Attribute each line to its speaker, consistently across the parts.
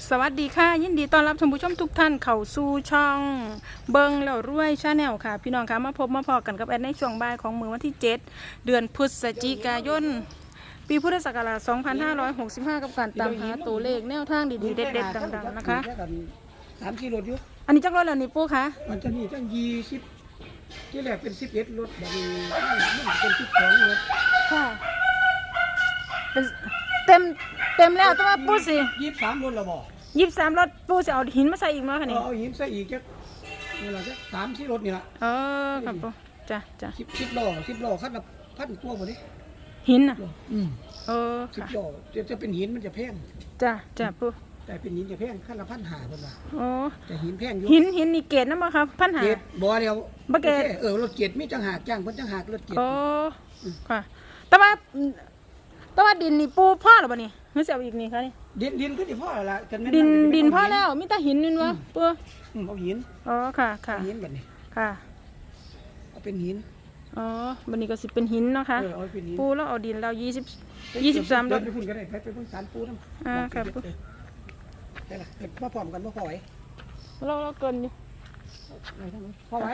Speaker 1: สวัสดีค่ะยินดีต้อนรับท่านผู้ชมทุกท่านเข้าสู่ช่องเบิงแล้วรวยชาแนลค่ะพี่น้องคะมาพบมาพอกันกับแอดในช่วงบ่ายของมื้อวันที่7เดือนพฤศจิกายนปีพุทธศักราช2565กับการตามหาตัวเลขแนวทางดีๆเด็ดๆดังๆนะคะ
Speaker 2: 3 กิโลอยู่
Speaker 1: อันนี้จักรรถแล้วนี่ปู่คะ
Speaker 2: มันจะนี่ตั้ง20ที่แรกเป็น11รถบัดนี้มันเป็น12รถ
Speaker 1: ค่ะเป็นเต็มแล้วแต่ว่าปู่สิ
Speaker 2: 23รถแล้วบ่
Speaker 1: 23รถปู่สิเอาหินมาใส่อีกมั้ยคะนี่
Speaker 2: เอาหินใส่อีกจักนี่ล่ะจัก3-4รถนี่ล่ะ
Speaker 1: ครับปู่จ้ะ
Speaker 2: 10ล้อคันละ1,000กว่าบ่นี่
Speaker 1: หินน่ะค่ะ
Speaker 2: 10ล้อจะเป็นหินมันจะแพง
Speaker 1: จ้ะปู่
Speaker 2: แต่เป็นหินจะแพงคันละ1,500เพิ่นว่าแต่หินแพงอยู่
Speaker 1: หินนี่เกรดนำบ่ครับ1,500
Speaker 2: เกรดบ่เดียว
Speaker 1: บ่เกรด
Speaker 2: รถเกรดมีจังหากจ้างเพิ่นจังหากรถเกรด
Speaker 1: ค่ะแต่ว่าดินนี่ปูพ่อหรือเปล่านี่หรือเสียอีกนี่คะนี่
Speaker 2: ดินก็ที่พ่อละ
Speaker 1: ดินพ่อแล้วมีแต่หินนี่วะปู
Speaker 2: เอาหิน
Speaker 1: ค่ะ
Speaker 2: หินแบบนี้
Speaker 1: ค่ะ
Speaker 2: เอาเป็นหิน
Speaker 1: บันนี้ก็สิเป็นหินเนาะค่ะปูแล้วเอาดินเรา23
Speaker 2: รถไปพุ่นก็ได้ไปพุ่นสารปูน้ำ
Speaker 1: ครับปู
Speaker 2: ได้ละเกิดมาพร้อมกันมาพอไหว
Speaker 1: เราเกินอยู่
Speaker 2: พอไหว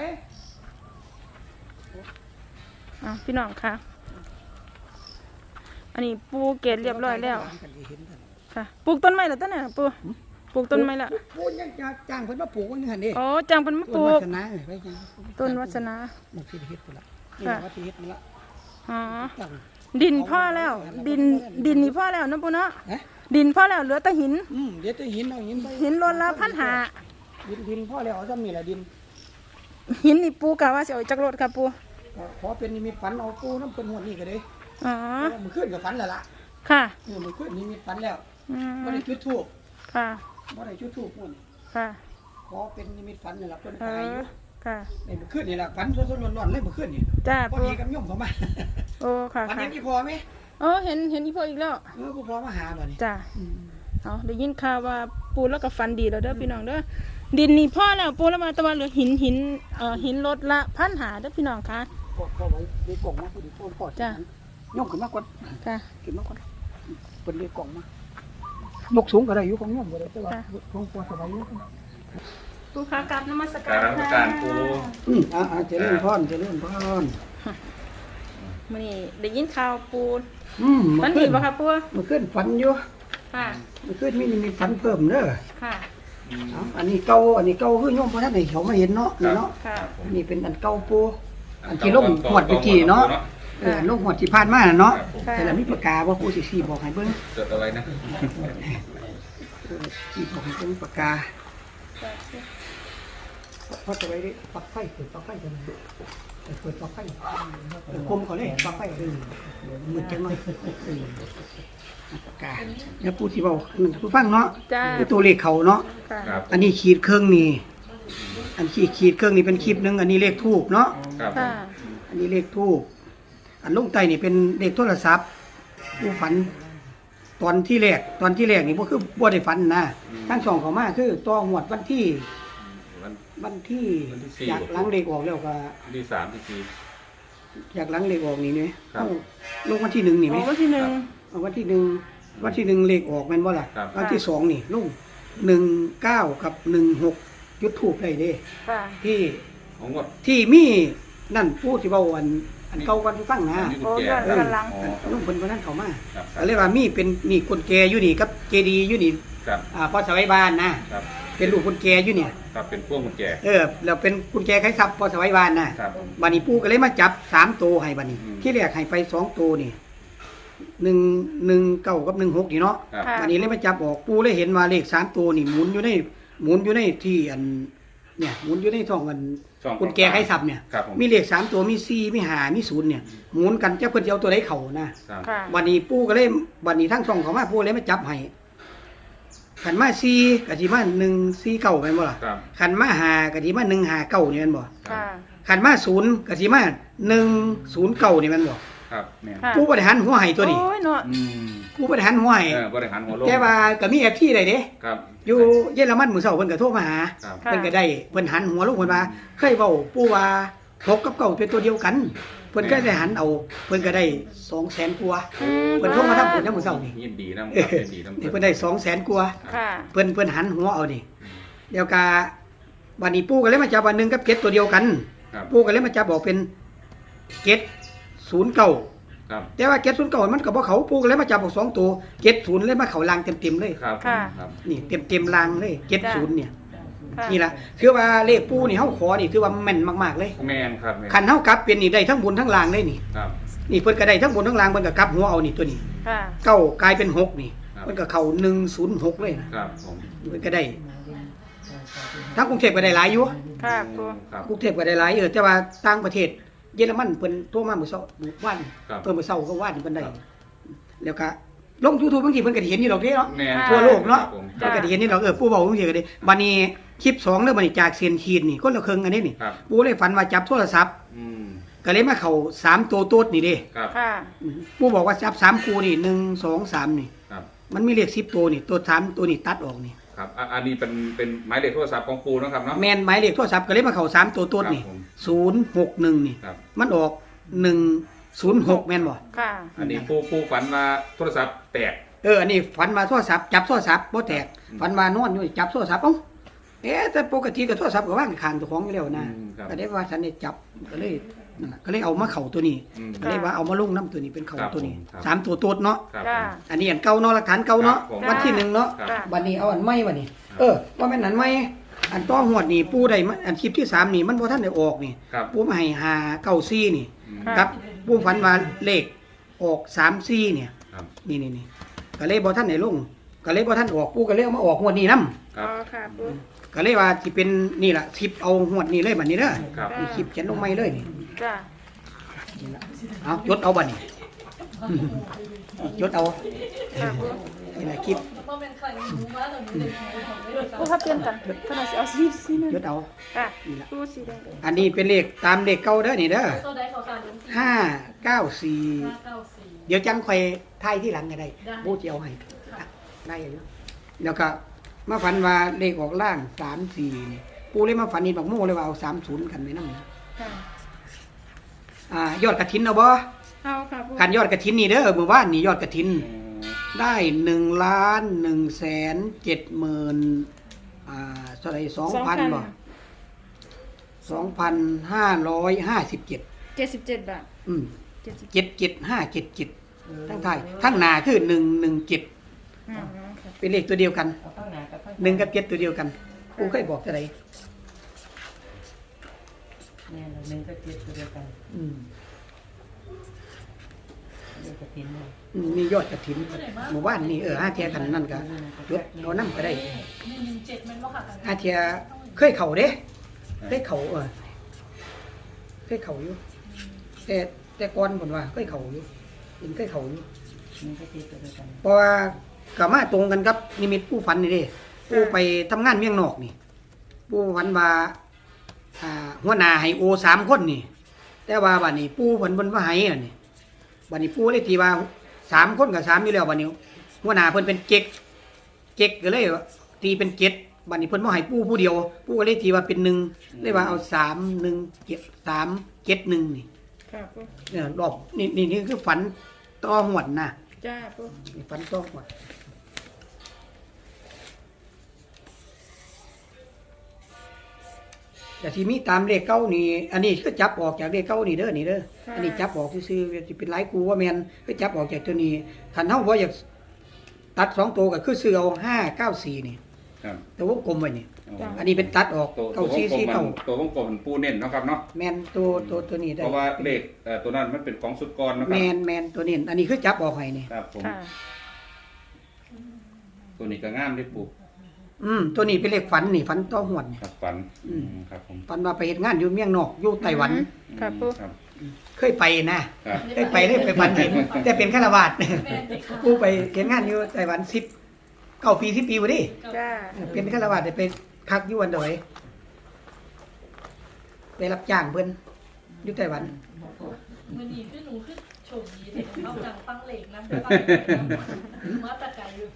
Speaker 1: พี่น้องค่ะอันนี้ปูเกล็ดเรียบร้อยแล้วค่ะปลูกต้นไม้แล้วตั้งแต่ปูปลูกต้นไม้ละ
Speaker 2: ปูยังจ้างเพิ่นมาปลูกนี่หั่นเด้
Speaker 1: จ้างเพิ่นมาปลูกต้นวัฒนา
Speaker 2: มันสิเฮ็ดพุ่นละนี่ว่าสิเฮ็ดมันละ
Speaker 1: ดินพ่อแล้วดินนี่พ่อแล้วนะปูเนาะดินพ่อแล้วเหลือแต่หิน
Speaker 2: เหลือแต่หินเอา
Speaker 1: หินล้นละ
Speaker 2: 1,500ดินพ่อแล้วเอาซ้ำนี่แหละดิน
Speaker 1: หินนี่ปูกะว่าสิเอาจักรถค่ะปู
Speaker 2: ขอเป็นนิมิตฝันเอาปูน้ำเพิ่นหวดนี่ก็ได้มื้อคืนก็ฝันแล้วล่ะ
Speaker 1: ค่ะ
Speaker 2: มื้อคืนนิมิตฝันแล้วบ่ได้จุดธูป
Speaker 1: ค่ะ
Speaker 2: บ่ได้จุดธูปพุ่น
Speaker 1: ค่ะ
Speaker 2: ขอเป็นนิมิตฝันนี่ล่ะเพิ่นตายอยู่
Speaker 1: ค่ะ
Speaker 2: ในมื้อคืนนี่ล่ะฝันสดๆร้อนๆเลยมื้อคืนนี่
Speaker 1: จ้า
Speaker 2: พอดีกับโยมเข้ามา
Speaker 1: ค่ะ
Speaker 2: ฝันเห็นอีพ่อมั้ย
Speaker 1: เห็นอีพ่ออีกแล้ว
Speaker 2: ผู้พ่อมาหาบ่นี่
Speaker 1: จ้าได้ยินข่าวว่าปูแล้วก็ฝันดีแล้วเด้อพี่น้องเด้อดินนี่พ่อแล้วปูแล้วมาแต่ว่าเหลือหินรถละ1,500เด้อพี่น้องค่ะ
Speaker 2: พ่อไว้ในกล่องมาพอดีพ่อ
Speaker 1: จ้า
Speaker 2: ย่อมขึ้นมาก่อน
Speaker 1: ค่ะ
Speaker 2: ขึ้นมาก่อนเปิดเรียกกล่องมายกสูงก็ได้อยู่ของย่อมก็ได้แต่ว่าของพ่อสบายอยู่
Speaker 1: ปูขากราบนมัสการ
Speaker 2: ปูเจริญพร
Speaker 1: มื้อนี้ได้ยินข่าวปูฝันดีบ่ครับปู
Speaker 2: มันขึ้นฝันอยู่
Speaker 1: ค่ะ
Speaker 2: มันขึ้นมีฝันเพิ่มเด้อ
Speaker 1: ค่ะ
Speaker 2: อันนี้เก่าคือโยมพระท่านให้เขามาเห็นเนาะนี่เนาะอันนี้เป็นอันเก่าปูอันที่ลงหวดไปกี่เนาะลงหวดที่ผ่านมาเนาะแต่ละมีปากกาว่าปูสิบอกให้เบิ่ง
Speaker 3: จดเอาไว้นะ
Speaker 2: สิบอกให้เบิ่งปากกาพอจะไว้ดิปลั๊กไฟเปิดปลั๊กไฟกันเปิดปลั๊กไฟคมเขาเลยปลั๊กไฟมืดจังเลยปากกาเนี่ยปูที่บอกผู้ฟังเนาะคือตัวเลขเขาเนาะอันนี้ขีดเครื่องนี่อันขีดเครื่องนี่เป็นคลิปนึงอันนี้เลขทูบเนาะอันนี้เลขทูบอันลงใต้นี่เป็นเลขโทรศัพท์ผู้ฝันตอนที่แรกนี่พวกคือบ่ได้ฝันนะทั้งสองเขามาคือต่อหวดวันที่อยากล้างเลขออกแล้วก็
Speaker 3: ที่3ที่4
Speaker 2: อยากล้างเลขออกนี่เนี่ยลงวันที่1นี่ไหม
Speaker 1: วันที่1
Speaker 2: วันที่1เลขออกแม่นบ่ล่ะวันที่2นี่ลง19กับ16จุดทูบได้เด้ที่มีนั่นผู้ที่เว้าอันเก่ากันฟังนะลุงเพิ่นคนนั้นเข้ามาเรียกว่ามีคนแก่อยู่นี่กับเจดีอยู่นี่พอสวัยบ้านนะเป็นลูกคนแก่อยู่เนี่ย
Speaker 3: ครับเป็นพวกคนแก่
Speaker 2: แล้วเป็นคนแก่ใครทรัพย์พอสวัยบ้านนะบัดนี้ปู่ก็เลยมาจับ3ตัวให้บัดนี้ที่แรกให้ไป2ตัวนี่119กับ16นี่เนาะบัดนี้เลยมาจับออกปู่เลยเห็นว่าเลข3ตัวนี่หมุนอยู่ในที่อันเนี่ยหมุนอยู่ในท้องกันคนแก่ใครทรัพย์เนี่ยมีเลข3ตัวมี4มี5มี0เนี่ยหมุนกันจักเพิ่นสิเอาตัวใดเข้านะบัดนี้ปู่ก็เลยบัดนี้ทั้งช่องเขามาปู่เลยมาจับให้ขันมา4ก็สิมา149แม่นบ่ล่ะขันมา5ก็สิมา159นี่แม่นบ่ขันมา0ก็สิมา109นี่แม่นบ่
Speaker 3: ครับแม่
Speaker 2: นผู้บริหารหัวไห้ตัวนี้
Speaker 1: โอ้ยเนาะ
Speaker 2: ผู้บริหารหัวไห้
Speaker 3: บริหารหัวลง
Speaker 2: แต่ว่าก็มี FT ได้เด้
Speaker 3: ครับ
Speaker 2: อยู่เยอรมันมื้อเช้าเพิ่นก็โทรมาหาเพิ่นก็ได้เพิ่นหันหัวลงเพิ่นว่าเคยเว้าปู่ว่า6กับ9เป็นตัวเดียวกันเพิ่นก็ได้หันเอาเพิ่นก็ได้200,000กว่า
Speaker 1: อืม
Speaker 2: เพิ่นโทรมาทำบุญนำมื้อเช้านี่
Speaker 3: ยินดีนำครับยินดีนำ
Speaker 2: นี่เพิ่นได้200,000กว่า
Speaker 1: ค่ะ
Speaker 2: เพิ่นหันหัวเอานี่เดี๋ยวกาบัดนี้ปู่ก็เลยมาจับว่า1กับ7ตัวเดียวกัน
Speaker 3: ครับ
Speaker 2: ปู่ก็เลยมาจับบอกเป็น709
Speaker 3: ครับ
Speaker 2: แต่ว่า709มันก็บ่เข้าปู่ก็เลยมาจับบอก2ตัว70เลยมาเข้าลางเต็มๆเลย
Speaker 3: ครับ
Speaker 1: ค่ะ
Speaker 3: ครับ
Speaker 2: นี่เต็มๆลางเลย70เนี่ย
Speaker 1: ค่ะ
Speaker 2: นี่ล่ะคือว่าเลขปู่นี่เฮาขอนี่คือว่าแม่นมากๆเลย
Speaker 3: แม่นครับแม่น
Speaker 2: คันเฮากลับเป็นนี่ได้ทั้งบนทั้งล่างเลยนี่
Speaker 3: ครับ
Speaker 2: นี่เพิ่นก็ได้ทั้งบนทั้งล่างเพิ่นก็กลับหัวเอานี่ตัวนี้
Speaker 1: ค่ะ
Speaker 2: เก้ากลายเป็น6นี่
Speaker 3: ครับ
Speaker 2: เพิ่นก็เข้า106เลยนะครับ
Speaker 3: ผม
Speaker 2: เพิ่นก็ได้ทั้งกรุงเทพก็ได้หลายอยู่
Speaker 1: ค่ะปู
Speaker 3: ครับ
Speaker 2: กรุงเทพก็ได้หลายแต่ว่าต่างประเทศเยอรมันเพิ่นโทรมามื้อเช้ามื้อวาน
Speaker 3: ครับ
Speaker 2: เพิ่นมื้อเช้าก็วานเพิ่นได้
Speaker 3: ครับ
Speaker 2: แล้วก็ลง YouTube บางทีเพิ่นก็ได้เห็นอยู่ดอกเด้เนาะ
Speaker 3: แม่น
Speaker 2: ทั่วโลกเนาะ
Speaker 3: ครับผม
Speaker 2: เพิ่นก็ได้เห็นนี่ดอกปู่เว้าจังซี่ก็ได้บัดนี้คลิป2เด้อบัดนี้จากเซียนคีนนี่คนละครึ่งอันนี้นี่
Speaker 3: ครับ
Speaker 2: ปู่เลยฝันว่าจับโทรศัพท์
Speaker 3: อืม
Speaker 2: ก็เลยมาเข้า3ตัวโต๊ดนี่เด้
Speaker 3: ครับ
Speaker 1: ค่ะ
Speaker 2: ปู่บอกว่าจับ3คู่นี่1 2 3นี่
Speaker 3: ครับ
Speaker 2: มันมีเลข10ตัวนี่ตัว3ตัวนี่ตัดออกนี่
Speaker 3: ครับอันนี้เป็นหมายเลขโทรศัพท์ของปูเนาะครับเนาะ
Speaker 2: แม่นหมายเลขโทรศัพท์ก็เลยมาเข้า3ตัวโต๊ดนี่
Speaker 3: ครับผม
Speaker 2: 061นี่
Speaker 3: ครับ
Speaker 2: มันออก106แม่นบ่
Speaker 1: ค่ะ
Speaker 3: อันนี้ปูฝันว่าโทรศัพท์แตก
Speaker 2: อันนี้ฝันมาโทรศัพท์จับโทรศัพท์บ่แตก
Speaker 3: อืม
Speaker 2: ฝันมานอนอยู่จับโทรศัพท์เอ้าแต่ปกติก็โทรศัพท์ก็วางข้างเจ้าของอยู่แล้วนะ
Speaker 3: อืมครับ
Speaker 2: ก็ได้ว่าฉันได้จับก็เลยนั่นน่ะก็เลยเอามาเข้าตัวนี้
Speaker 3: อืม
Speaker 2: ก็เลยว่าเอามาลงน้ำตัวนี้เป็นเข้า
Speaker 3: ครับ
Speaker 2: ตัวนี้
Speaker 3: ผมครับ
Speaker 2: สามตัวโตดเนาะ
Speaker 3: ครับ
Speaker 1: จ้า
Speaker 2: อันนี้อันเก่าเนาะหลักฐานเก่าเนาะ
Speaker 3: ครับผม
Speaker 2: วันที่หนึ่งเนาะ
Speaker 3: ครับ
Speaker 1: จ้า
Speaker 2: บัดนี้เอาอันใหม่บัดนี้ ว่าแม่นอันใหม่อันต้องหวดนี่ปู่ได้มาอันคลิปที่3นี่มันบ่ทันได้ออกนี่
Speaker 3: ครับ
Speaker 2: ปู่มาให้594นี่
Speaker 3: อืม
Speaker 1: ค่ะ
Speaker 2: ครับปู่ฝันว่าเลขออก34เนี่ย
Speaker 3: ครับ
Speaker 2: นี่ก็เลยบ่ทันได้ลงก็เลยบ่ทันออกปู่ก็เลยเอามาออกงวดนี้นํ
Speaker 3: ครั
Speaker 1: อ๋
Speaker 3: บ
Speaker 1: อค่ะปู
Speaker 2: ก็เลยว่าสิเป็นนี่ล่ะคลิปเอางวดนี้เลยบัดนี้เด้อ
Speaker 3: ครับ
Speaker 2: นี่คลิปเขียนลงใหม่เลยนี่
Speaker 1: จ้า
Speaker 2: นี่ล่ะเอาจดเอาบัดนี้ จดเอา
Speaker 1: ค่ะปู
Speaker 2: นี่ล่ะคลิป
Speaker 1: ปูถ้าเปลี่ยนกันขนาดสิเอาสีนึง
Speaker 2: จดเอา
Speaker 1: ค่ะ
Speaker 2: นี่ล่ะ
Speaker 1: ปูสีแดง
Speaker 2: อันนี้เป็นเลขตามเลขเก่าเด้อนี่เด้อ
Speaker 4: ตัวใดขอการลุ้นที่
Speaker 2: 594
Speaker 4: 594
Speaker 2: เดี๋ยวจังค่อยทายที่หลังก็ได้
Speaker 4: ได้
Speaker 2: บูจะเอาให้ได้อยู่แล้วก็มาฝันว่าเลขออกล่าง34นี่ปูเลยมาฝันนี่บักโม่เลยว่าเอา30กันไว้นำนะ
Speaker 1: ค่ะ
Speaker 2: ยอดกฐินเอาบ่
Speaker 1: เอาค่ะปู
Speaker 2: การยอดกฐินนี่เด้อมื้อวานนี่ยอดกฐิน ได้1,170,000เท่าไหร่2,000บ่2,557
Speaker 1: 77 บาท
Speaker 2: อืม
Speaker 1: 70
Speaker 2: 77577ทั้งไทายทั้งหน้าคือ117
Speaker 1: อ๋อค่ะ
Speaker 2: เป็นเลขตัวเดียวกัน
Speaker 4: เอาข้างหน้ากับข้าง
Speaker 2: 1กับ7ตัวเดียวกันกูเคยบอกเท่าไหร่
Speaker 4: แม่เราหนึ่งก็เจ็ดตัวเดียวกัน
Speaker 2: อืม
Speaker 4: เดียวกับทิ้นเลย
Speaker 2: มียอดกฐินหมู่บ้านนี่ห้าเทียกันนั่นก็ยศเอานำก็ได้
Speaker 4: 117มันบ่ค่ะกัน
Speaker 2: ห้าเทียเคยเข้าเด้เคยเข้าเคยเข้าอยู่แต่ก่อนเพิ่นว่าเคยเข้าอยู่เป็นเคยเข้าอยู่
Speaker 4: หนึ่งก็เจ็ดตัวเดียวกัน
Speaker 2: เพราะว่าก็มาตรงกันกับนิมิตผู้ฝันนี่เด้ผู้ไปทำงานเมียงนอกนี่ผู้ฝันว่าหัวหน้าให้โอ3คนนี่ แต่ว่าบัดนี้ปู่เพิ่นว่าให้อันนี้บัดนี้ปู่เลยตีว่า3คนกับ3อยู่แล้วบัดนี้หัวหน้าเพิ่นเป็นเจ็กก็เลยตีเป็น7บัดนี้เพิ่นบ่ให้ปู่ผู้เดียวปู่ก็เลยตีว่าเป็น1เลยว่าเอา3 1 7 3 7 1นี่
Speaker 1: ค่ะปู
Speaker 2: เนี่ยรอบนี่คือฝันต่อหวดนะ
Speaker 1: จ้าปู
Speaker 2: นี่ฝันต่อหวดแต่ที่มีตามเลขเก้านี่ อันนี้ก็จับออกจากเลขเก้านี่เด้อนี่เด้ออันนี้จับออกซื่อๆสิเป็นหลายกูว่าแม่นก็จับออกจากตัวนี้คันเฮาบ่อยากตัด2ตัวก็คือซื้อเอา594นี่
Speaker 3: ครับ
Speaker 2: ตัววงกลมไว้นี่
Speaker 3: อ๋อ
Speaker 2: อันนี้เป็นตัดออก
Speaker 3: ตัววงกลมมัน
Speaker 2: 9449
Speaker 3: ตัววงกลมมันปูเน้นเนาะครับเนาะ
Speaker 2: แม่นตัวนี้ได้
Speaker 3: เพราะว่าเลขตัวนั้นมันเป็นของสุดกรนะครั
Speaker 2: แม่นตัวนี้อันนี้คือจับออกให้นี่
Speaker 3: ครับผม
Speaker 1: ค่ะ
Speaker 3: ตัวนี้ก็งามที่ปู
Speaker 2: ตัวนี้เป็นเลขฝันนี่ฝันต่อหวดนี่
Speaker 3: ครับฝันครับผม
Speaker 2: ฝันว่าไปเฮ็ดงานอยู่เมียงนอกอยู่ไต้หวัน
Speaker 1: ค่ะปู
Speaker 3: ครับ
Speaker 2: เคยไปนะครับ เคยไปเลยไปฝันเห็นแต่เป็นฆราวาสถ์ กูไปเฮ็ดงานอยู่ไต้หวัน9 ปี10 ปีบ่ดิ
Speaker 1: จ้า
Speaker 2: เป็นฆราวาสถ์ได้ไปพักอยู่อันดอยไปรับจ้างเพิ่นอยู่ไต้หวัน
Speaker 4: มือนี้คือหนูคือโชคดีที่เอาจังฟังเหล็กนะมาตะไกอยู่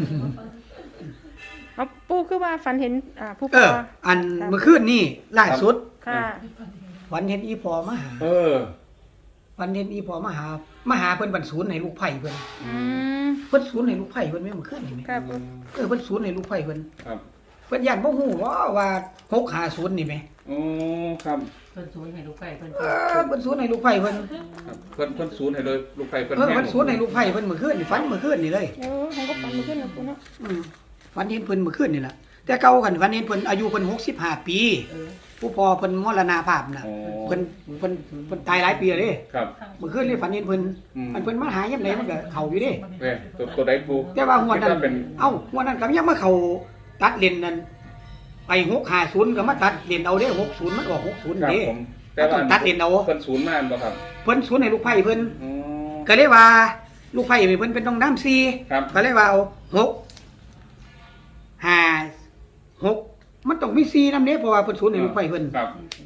Speaker 1: เอาปูคือว่าฝันเห็นผู้ป
Speaker 2: เอ
Speaker 1: อ
Speaker 2: อ อันเมื่อคืนนี่ล่าสุด
Speaker 1: ค่ะ
Speaker 2: ฝันเห็นอีพอมาหา
Speaker 3: เออ
Speaker 2: ฝันเห็นอีพ่อมาหาเพิ่นบรรศูนย์ให้ลูกไผ่เพิ่น
Speaker 1: อืม
Speaker 2: เพิ่นศูนย์ให้ลูกไผ่เพิ่นแม่นมื้อคืนนี่แม่
Speaker 1: ครับปู
Speaker 2: เพิ่นศูนย์ให้ลูกไผ่เพิ่น
Speaker 3: ครับ
Speaker 2: เพิ่นย่านบ่ฮู้ว่า650นี่แหม
Speaker 3: โอ้ครับ
Speaker 5: เพิ่นศูนย์ให้ลูกไก่เพิ่น
Speaker 2: เพิ่นศูนย์ให้ลูกไผ่เพิ่น
Speaker 3: ครับเพิ่นศูนย์ให้เลยลูกไฟเพิ่น
Speaker 2: เพิ่นศูนย์ให้ลูกไผ่เพิ่นมื้อคืนนี่ฝันมื้อคืนนี่เลย
Speaker 1: โอ้ผมก็ฝันเมื่อคืนนะปูเนาะ
Speaker 2: ฝันเห็นเพิ่นมื้อคืนนี่ล่ะแต่เก่ากันฝันเห็นเพิ่นอายุเพิ่น65 ปี ผู้พ่อเพิ่นมรณภาพน่ะ
Speaker 3: โอ้
Speaker 2: เพิ่นตายหลายปีแล้วเด้
Speaker 3: ครับ
Speaker 2: มื้อคืนนี่ฝันเห็นเพิ่น
Speaker 3: อืม
Speaker 2: อันเพิ่นมาหายามใดมันก็เข้าอยู่เด้
Speaker 3: เว้ยตัวใดปู
Speaker 2: แต่ว่าหัวดนั้น
Speaker 3: คิว่าเป็น
Speaker 2: หัวดนั้นก็ยังมาเข้าตัดเลนนั่นไป650ก็มาตัดเลนเอาเด้60มันออก60
Speaker 3: ครับ
Speaker 2: เด้
Speaker 3: ผมแต่ว่า
Speaker 2: ต้องตัดเลนเอา
Speaker 3: เพิ่นศูนย์มาบ่ครับ
Speaker 2: เพิ่นศูนย์ให้ลูกไผ่เพิ่น
Speaker 3: อ๋อ
Speaker 2: ก็เลยว่าลูกไผ่เพิ่นเป็นต้องน้ำซี
Speaker 3: ครับ
Speaker 2: ก็เลยว่าเอา6 5 6มันต้องมีซีนำเด้เพราะว่าเพิ่นศูนย์ให้ลูกไผ่เพิ่น
Speaker 3: ครับ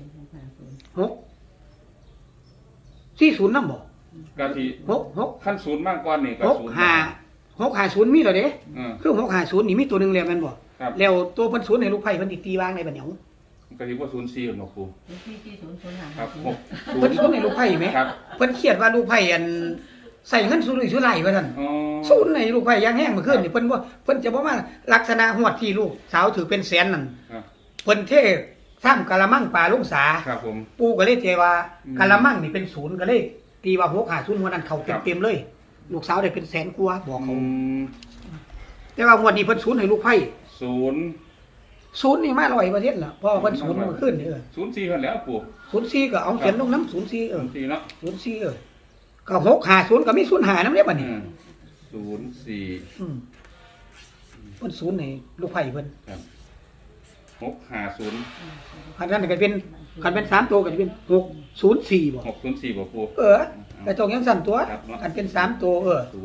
Speaker 2: 6 40นำบ่
Speaker 3: ก็ที่
Speaker 2: 6
Speaker 3: ขั้นศูนย์มากกว่านี่ก็ศูนย์
Speaker 2: 650มีแล้วเด้
Speaker 3: อืม
Speaker 2: คือ650นี่มีตัวหนึงแล้วแม่นบ่
Speaker 3: ครับ
Speaker 2: แล้วตัวเพิ่นศูนย์ให้ลูกไผ่เพิ่นอีกตีวางในบัดเหนียว
Speaker 3: ก็ที่ว่าศูนย์สี่หรอกปู
Speaker 5: ที่ศูนย์ศูนย์หา
Speaker 3: ครับหก
Speaker 2: เพิ่นศูนย์ให้ลูกไผ่ไหม
Speaker 3: ครับ
Speaker 2: เพิ่นเครียดว่าลูกไผ่อันใส่เงินสุรุ่ยสุร่ายว่าซั่น
Speaker 3: อ๋อ
Speaker 2: ศูนย์ให้ลูกไผ่ยางแห้งเมื่อคืนนี่เพิ่นจะบ่มาลักษณะหวดที่ลูกสาวถือเป็นแสนนั่น
Speaker 3: ครับ
Speaker 2: เพิ่นเทซ้ำกะละมังปลาลงสา
Speaker 3: ครับผม
Speaker 2: ปู่ก็เลยเทว่า
Speaker 3: อืม
Speaker 2: กะละมังนี่เป็นศูนย์ก็เลยตีว่า650หัวนั้นเข้า
Speaker 3: ครับ
Speaker 2: เต็มๆเลย ลูกสาวได้เป็นแสนกว่าบอก
Speaker 3: อื
Speaker 2: เขา
Speaker 3: ม
Speaker 2: แต่ว่าหัวดนี้เพิ่นศูนย์ให้ลูกไผ่
Speaker 3: ศูนย์
Speaker 2: ศูนย์นี่มา100%ล่ะเพราะว่าเพิ่นศูนย์เมื่อคืนนี่
Speaker 3: ศูนย์สี่เพิ่นแล้วปู
Speaker 2: 04ก็เอาเขียนลงน้ำ04
Speaker 3: ศูนย์สี่เนาะ
Speaker 2: 04ก็650ก็มี05นำเด้บัดนี้
Speaker 3: ศูนย์สี่
Speaker 2: เพิ่นศูนย์ให้ลูกไผ่เพิ่น
Speaker 3: ครับ650
Speaker 2: คันนั้นก็เป็นคันเป็น3ตัวก็จะเป็น604บ่
Speaker 3: 604บ่ปู
Speaker 2: ก็ต้องยังสั่นตัว
Speaker 3: ครับเนาะ
Speaker 2: คันเป็น3ตัว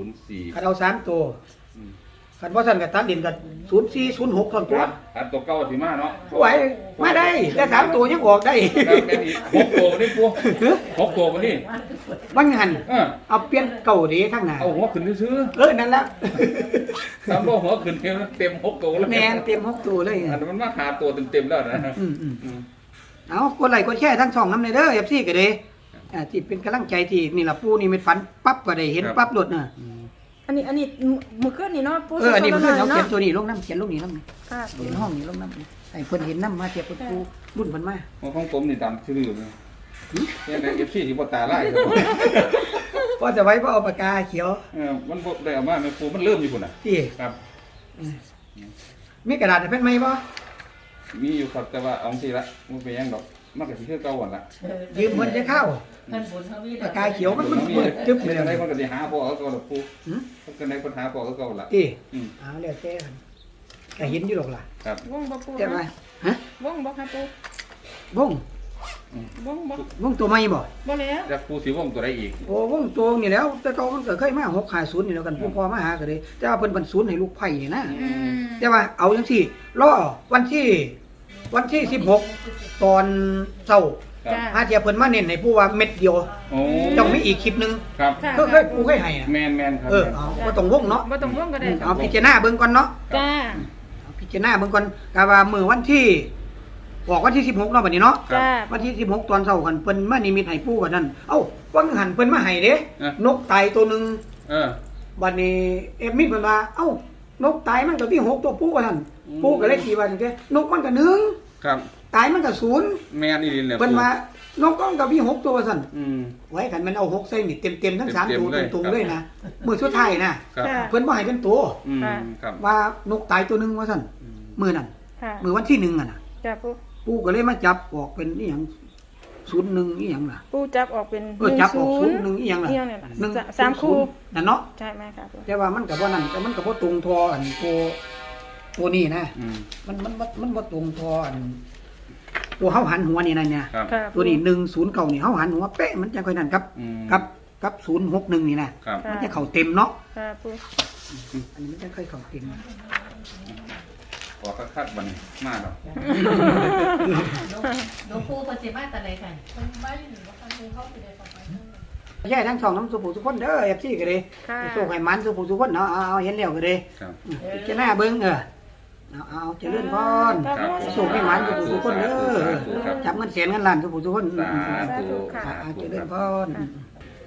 Speaker 3: 04
Speaker 2: คันเอา3ตัว
Speaker 3: อืม
Speaker 2: คันบ่สั่นก็ตัดดินก็0406ท่อนตัว
Speaker 3: อันตัวเก่าสิมาเนาะ
Speaker 2: ไหวมาได้แต่3ตัวยังออกได้
Speaker 3: ครับแม่นอีก6ตัวบ่นี่ปู6ตัวบ่นี่
Speaker 2: บางหัน เอาเปลี่ยนเก่าเด้ทั้งหน้า
Speaker 3: เอาหัวขึ้นซื่อ
Speaker 2: นั่นละ
Speaker 3: ๆตามบ่หัวขึ้นเต็ม6ตัวแล้ว
Speaker 2: แม่นเต็ม6ตัวเลย
Speaker 3: อันนั้นมันมาหาตัวเต็มๆแล้วนะ
Speaker 2: อืมเอากดไลค์กดแชร์ทั้งช่องนำเด้อ FC ก็เด้ที่เป็นกำลังใจที่นี่ล่ะปู่นี่เม็ดฝันปั๊บก็ได้เห็นปั๊บโลดน่ะ
Speaker 1: อันนี้เมื่อคืนนี่เนาะปู
Speaker 2: อันนี้เพิ่นเอา
Speaker 1: เนาะ
Speaker 2: เขียนตัวนี้ลงน้ำเขียนลงนี่ลงนี่
Speaker 1: ค่ะ
Speaker 2: เขียนห้องนี่ลงน้ำให้เพิ่นเห็นน้ำมาเทียบกับปู่รุ่นเพิ่นมา
Speaker 3: ของผมนี่ตามชื่อเลยเนี่ยใน FC ที่บ่ตาลายครับ
Speaker 2: ก็จะไว้บ่เอาปากกาเขียว
Speaker 3: มันบ่ได้เอามาแม่ปูมันเริ่มอยู่พุ่นน่ะ
Speaker 2: ที่
Speaker 3: ครับ
Speaker 2: มีกระดาษให้เพิ่นไหมบ่
Speaker 3: มีอยู่ครับแต่ว่าเอาสิละบ่เป็นหยังดอกมันก็สิคือเก่าหั่นล่ะ
Speaker 2: ยืมเพิ่นจะเข้า
Speaker 5: เพิ่นบุญเฮามี
Speaker 2: ปากกาเขียวมันเปิดจึ๊บเลย
Speaker 3: จังได๋
Speaker 2: นะ
Speaker 3: มันก็สิหาพ่อเอาเก่าล่ะปู
Speaker 2: หืม
Speaker 3: มันก็ได้ปัญหาพ่อเอาเก่าล่ะ
Speaker 2: ที่
Speaker 3: อืม
Speaker 2: เอาแล้วแต่กันก็เห็นอยู่หรอกล่ะ
Speaker 3: ครับ
Speaker 1: วงบ่ปู
Speaker 2: แต่ว่าฮะ
Speaker 1: วงบ่ครับปู
Speaker 2: วง
Speaker 1: วงบ่
Speaker 2: วงตัวใหม่บ่
Speaker 1: บ่แล้ว
Speaker 3: จักปูสิวงตัวใดอีก
Speaker 2: โอ้วงตัวนี่แล้ว แต่เก่ามันก็เคยมา650นี่แล้วกันผู้พ่อมาหาก็เลยแต่ว่าเพิ่นบรรศูนย์ให้ลูกไผ่นี่นะ
Speaker 1: อืม
Speaker 2: แต่ว่าเอาจังซี่รอวันที่16ตอนเช้า
Speaker 3: ครับ
Speaker 1: จ้า
Speaker 2: หาเทียเพิ่นมาเน้นให้ผู้ว่าเม็ดเดียว
Speaker 3: โอ้
Speaker 2: ต้องมีอีกคลิปหนึง
Speaker 3: ครับ
Speaker 1: ค่ะ
Speaker 2: เคยผู้เคยให้น่ะ
Speaker 3: แม่นๆครับ
Speaker 2: เอาบ่ต้องวงเนาะ
Speaker 1: บ่ต้องวงก็ได้
Speaker 2: เอาพิจารณาเบิ่งก่อนเนาะ
Speaker 1: จ้า
Speaker 2: เอาพิจารณาเบิ่งก่อนก็ว่ามื้อวันที่ออกวันที่16เนาะบัดนี้เนาะ
Speaker 1: จ้า
Speaker 2: วันที่16ตอนเช้ากันเพิ่นมานิมิตให้ปู่กันนั่นเอ้าวังหันเพิ่นมาให้เด้นกตายตัวหนึง
Speaker 3: เออ
Speaker 2: บัดนี้เอฟมิดเพิ่นว่าเอ้านกตายมันก็มี6ตัวปู่ว่าซั่นปู่ก็เลยตีว่าจังซี่นกมันก็1
Speaker 3: ครับ
Speaker 2: ตายมันก็0
Speaker 3: แม่นอีหลีแหละ
Speaker 2: เพิ่นว่านกมันก็มี6ตัวว่าซั่น
Speaker 3: อืม
Speaker 2: ไว้คันมันเอา6ใส่นี่เต็มๆทั้ง3
Speaker 3: เต็ม
Speaker 2: ตัว
Speaker 3: ๆเลย
Speaker 2: ตรง
Speaker 3: ครับ
Speaker 2: ๆเลยนะมื้อสุดท้ายนะครับ
Speaker 1: ค่ะ
Speaker 2: เพิ่นบ่ให้เป็นตัว
Speaker 3: อืมครับ
Speaker 2: ว่านกตายตัวหนึงว่าซั่นมื้อนั้น
Speaker 1: ค่ะ
Speaker 2: มื้อวันที่1อ่ะน่ะ
Speaker 1: จ้าปู
Speaker 2: ปู่ก็เลยมาจับออกเป็นอีหยัง01อีหยังล่ะ
Speaker 1: ปูจับออกเป็น
Speaker 2: จับออก
Speaker 1: 10
Speaker 2: 01อีหยังล่ะ
Speaker 1: อีหยังเนี่ยล่ะ
Speaker 2: หนึ่ง
Speaker 1: สามคู่
Speaker 2: นั่นเนาะ
Speaker 1: ใช่ไหมครับปู
Speaker 2: แต่ว่ามันก็บ่นั่นแต่มันก็บ่ตรงทออันตัวนี้นะ
Speaker 3: อืม
Speaker 2: มันบ่ตรงทออันตัวเฮาหันหัวนี่นั่นเนี่ย
Speaker 3: ครับ
Speaker 1: ค่ะ
Speaker 2: ตัวนี้109นี่เฮาหันหัวเป๊ะมันจะค่อยนั่นครับ
Speaker 3: อืม
Speaker 2: กับ061นี่นะครับ มันจะเข้าเต็มเนาะ
Speaker 1: ค่ะปู
Speaker 2: อันนี้มันจะค่อยเข้าเต็ม
Speaker 3: ขอคักๆบัดนี้มาดอก
Speaker 5: หลวงปู่เพิ่นสิมาแต่ไหนกัน
Speaker 4: มันไม่หรือว่าคันดูเข้าไปในฝั่งนั้น
Speaker 2: ใช่ทั้งสองน้ำสุผู้ทุกคนเด้อ FC ก็เด้
Speaker 1: ค่ะ
Speaker 2: โชคให้มันสุผู้ทุกคนเนาะเอาเห็นแล้วก็เด้
Speaker 3: ครับ
Speaker 2: พิจารณาเบิ่งเอาเจริญพร
Speaker 1: ครับ
Speaker 2: โชคให้มันสุผู้ทุกคนเด้อ
Speaker 3: สาธุครับ
Speaker 2: จับเงินแสนเงินล้านสุผู้ทุกคน
Speaker 3: สาธุ
Speaker 2: เจริญพร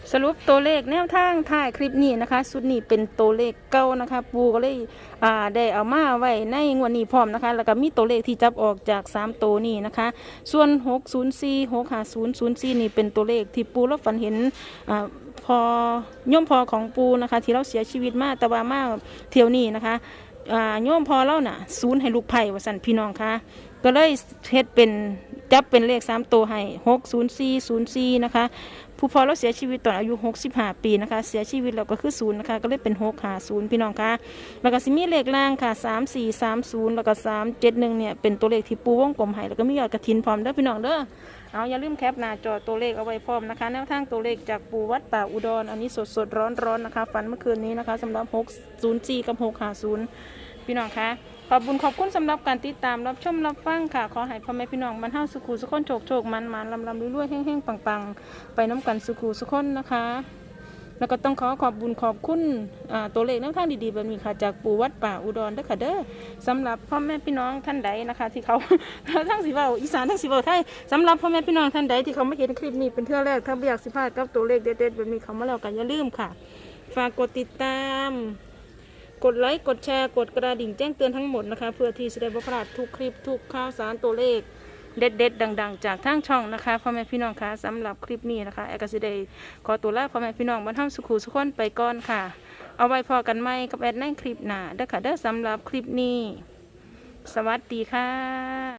Speaker 1: สรุปตัวเลขแนวทางถ่ายคลิปนี้นะคะสุดนี้เป็นตัวเลขเก่านะคะปูก็เลยได้เอามาไว้ในงวดนี้พร้อมนะคะแล้วก็มีตัวเลขที่จับออกจาก3ตัวนี้นะคะส่วน604 65004นี่เป็นตัวเลขที่ปูแล้วฝันเห็นพอย่อมพอของปูนะคะที่เราเสียชีวิตมาแต่ว่ามาเที่ยวนี้นะคะย่อมพอเราน่ะศูนย์ให้ลูกไผ่ว่าสั่นพี่น้องค่ะก็เลยเฮ็ดเป็นจับเป็นเลข3ตัวให้60404นะคะผู้พอเราเสียชีวิตตอนอายุ65ปีนะคะเสียชีวิตเราก็คือ0นะคะก็เลยเป็น650พี่น้องค่ะแล้วก็สิมีเลขล่างค่ะ3430แล้วก็371เนี่ยเป็นตัวเลขที่ปูวงกลมให้แล้วก็มียอดกฐินพร้อมเด้อพี่น้องเด้อเอาอย่าลืมแคปหน้าจอตัวเลขเอาไว้พร้อมนะคะแนวทางตัวเลขจากปูวัดป่าอุดรอันนี้สดๆร้อนๆนะคะฝันเมื่อคืนนี้นะคะสำหรับ604กับ650พี่น้องค่ะขอบคุณสำหรับการติดตามรับชมรับฟังค่ะขอให้พ่อแม่พี่น้องบรรเทาสุขุสุขคนโชคมันลำรวยๆแห้งๆปังๆไปน้ำกันสุขุสุขคนนะคะแล้วก็ต้องขอบคุณตัวเลขแนวทางดีๆแบบนี้ค่ะจากปู่วัดป่าอุดรเด้อค่ะเด้อสำหรับพ่อแม่พี่น้องท่านใดนะคะที่เขา ทั้งสิเว้าอีสานทั้งสิเว้าไทยสำหรับพ่อแม่พี่น้องท่านใดที่เขาไม่เห็นคลิปนี้เป็นเทื่อแรกถ้าอยากสิพลาดกับตัวเลขเด็ดๆแบบนี้เขามาแล้วกันอย่าลืมค่ะฝากกดติดตามกดไลค์กดแชร์กดกระดิ่งแจ้งเตือนทั้งหมดนะคะเพื่อที่จะได้บ่พลาดทุกคลิปทุกข่าวสารตัวเลขเด็ดๆดังๆจากทางช่องนะคะพ่อแม่พี่น้องคะสำหรับคลิปนี้นะคะแอกสิเดย์ขอตัวลาพ่อแม่พี่น้องบรรเทาสุขุสุขคนไปก่อนค่ะเอาไว้พอกันไหมกับแอดในคลิปหน้าเด้อค่ะเด้อสำหรับคลิปนี้สวัสดีค่ะ